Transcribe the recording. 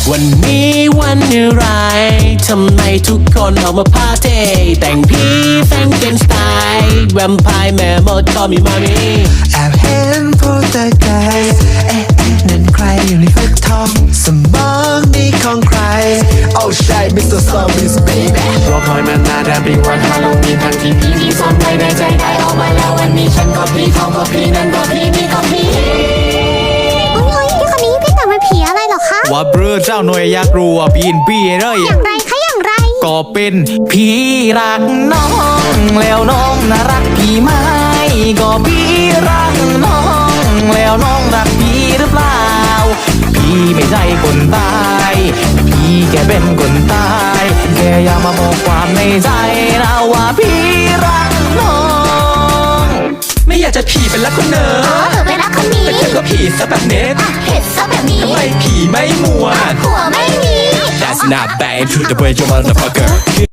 วันนี้วันอะไรทำไมทุกคนออกมาพาเทแต่งผีแฟรงเกนสไตล์แวมไพร์แม่มดก็มีมามีแอบเห็นโพสเตอร์ไกด์นั่นใครอยู่ในฟักทองสมองนี่ของใคร Oh ใช่ Mr. Zombies baby รอคอยมานานแต่เป็นวันฮาโลวีนทั้งที่ผีที่ซ่อนไว้ในใจได้ออกมาแล้ววันนี้ฉันก็ผีเขาก็ผีนั่นก็ผีนี่ก็ผีโอ้ยพี่คนนี้พี่แต่งเป็นผีอะไรเหรอคะว่าเบรอเจ้าหน่วยอยากรู้ว่าปีนปี้เลยอย่างไรคะอย่างไรก็เป็นพี่รักน้องแล้วน้องน่ารักพี่ไหมก็พี่รักน้องแล้วน้องรักพี่หรือเปล่าพี่ไม่ใช่คนตายพี่แค่เป็นคนตายแค่อยากมาบอกความในใจนะว่าพี่รักน้องไม่อยากจะผีเป็นรักคนเนอเธอเป็นรักคนนี้แต่เธอก็ผีซะแบบเน็ตเห็ดซะแบบนี้ทำไมผีไม่มัวหัวไม่มี That's not bad to the way you motherfucker